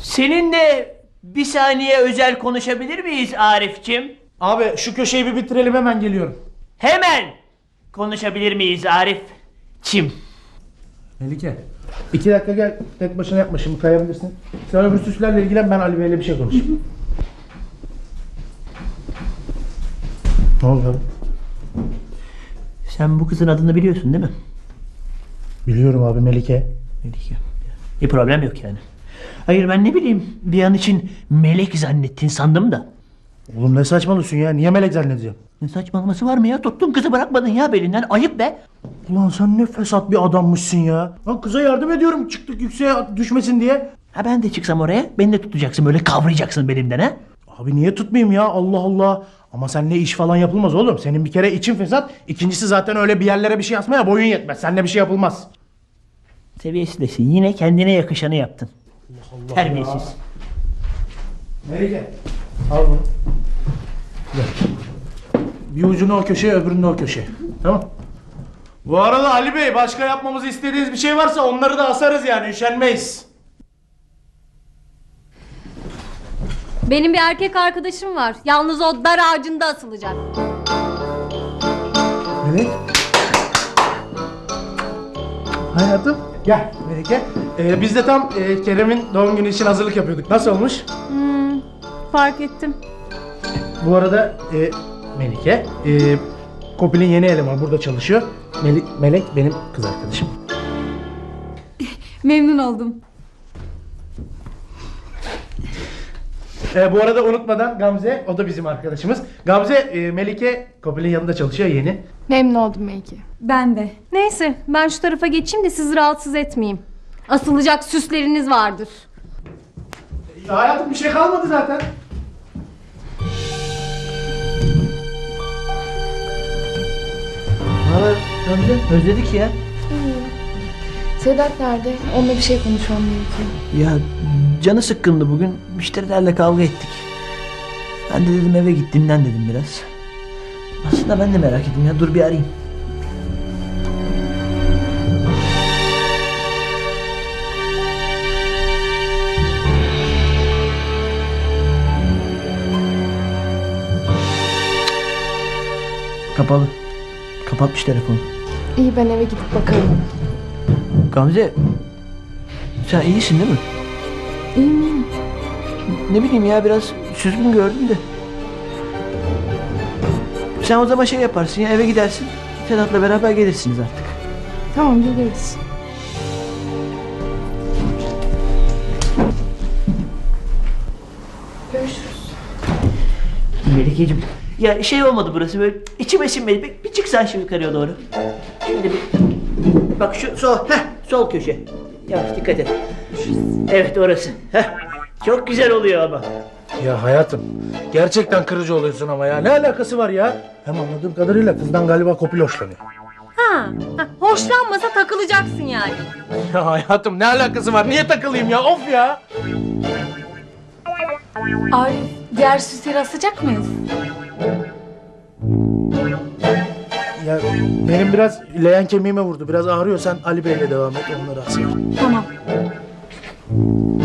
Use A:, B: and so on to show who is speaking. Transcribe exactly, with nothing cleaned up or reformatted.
A: Seninle bir saniye özel konuşabilir miyiz Arif'cim?
B: Abi şu köşeyi bir bitirelim, hemen geliyorum.
A: Hemen konuşabilir miyiz Arif'cim?
B: Melike, iki dakika gel, tek başına yapma, şimdi kayabilirsin. Sen öbür süslerle ilgilen, ben Ali Bey'le bir şey konuşayım. Ne oldu abi?
A: Sen bu kızın adını biliyorsun değil mi?
B: Biliyorum abi, Melike.
A: Melike. Bir problem yok yani. Hayır, ben ne bileyim, bir an için melek zannettin sandım da.
B: Oğlum ne saçmalıyorsun ya, niye melek zannedeceğim?
A: Ne saçmalaması var mı ya? Tuttun kızı, bırakmadın ya belinden. Ayıp be.
B: Ulan sen ne fesat bir adammışsın ya. Lan kıza yardım ediyorum, çıktık yükseğe düşmesin diye.
A: Ha, ben de çıksam oraya, beni de tutacaksın, böyle kavrayacaksın belimden ha.
B: Abi niye tutmayayım ya, Allah Allah. Ama seninle iş falan yapılmaz oğlum. Senin bir kere için fesat. İkincisi zaten öyle bir yerlere bir şey asmaya boyun yetmez. Seninle bir şey yapılmaz.
A: Seviyesizlesin. Yine kendine yakışanı yaptın.
B: Allah
A: Terbiyesiz.
B: Melike, al bunu. Gel. Bir ucunu o köşeye, öbürünü o köşeye. Tamam. Bu arada Ali Bey, başka yapmamızı istediğiniz bir şey varsa onları da asarız yani, üşenmeyiz.
C: Benim bir erkek arkadaşım var. Yalnız o dar ağacında asılacak.
B: Melek. Hayatım. Gel Melike. Ee, biz de tam e, Kerem'in doğum günü için hazırlık yapıyorduk. Nasıl olmuş?
C: Hmm, fark ettim.
B: Bu arada e, Melike, e, Kopil'in yeni elemanı burada çalışıyor. Melek, Melek benim kız arkadaşım.
C: Memnun oldum.
B: E, bu arada unutmadan Gamze, o da bizim arkadaşımız. Gamze, e, Melike Kopil'in yanında çalışıyor, yeni.
D: Memnun oldum Melike.
C: Ben de. Neyse, ben şu tarafa geçeyim de sizi rahatsız etmeyeyim. Asılacak süsleriniz vardır.
B: E, hayatım bir şey kalmadı zaten.
A: Ne haber Gamze? Özledik ya.
D: Sedat nerede? Onunla bir şey konuşmam gerekiyor.
A: Ya canı sıkkındı bugün. Müşterilerle kavga ettik. Ben de dedim eve git dinlen dedim biraz. Aslında ben de merak ettim ya. Dur bir arayayım. Kapalı. Kapatmış telefonu.
D: İyi, ben eve gidip bakarım.
A: Gamze, sen iyisin değil mi?
D: İyiyim iyiyim.
A: Ne bileyim ya, biraz süzgün gördüm de. Sen o zaman şey yaparsın ya, eve gidersin. Sedat'la beraber gelirsiniz artık.
D: Tamam, geliriz. Görüşürüz.
A: Melike'cim, ya şey olmadı burası, böyle içime sinmedi. Bir, bir çıksan şu yukarıya doğru. Şimdi bir... Bak şu sol, heh, sol köşe. Yavaş dikkat et. Evet, orası. Heh. Çok güzel oluyor ama.
B: Ya hayatım, gerçekten kırıcı oluyorsun ama ya. Ne alakası var ya? Hem anladığım kadarıyla kızdan galiba Kopil hoşlanıyor.
C: Ha, ha, hoşlanmasa takılacaksın yani.
B: Ya hayatım, ne alakası var? Niye takılayım ya? Of ya!
D: Arif, diğer süsleri asacak mıyız?
B: Ya benim biraz leğen kemiğime vurdu. Biraz ağrıyor. Sen Ali Bey'le devam et. Onları asayım.
D: Tamam.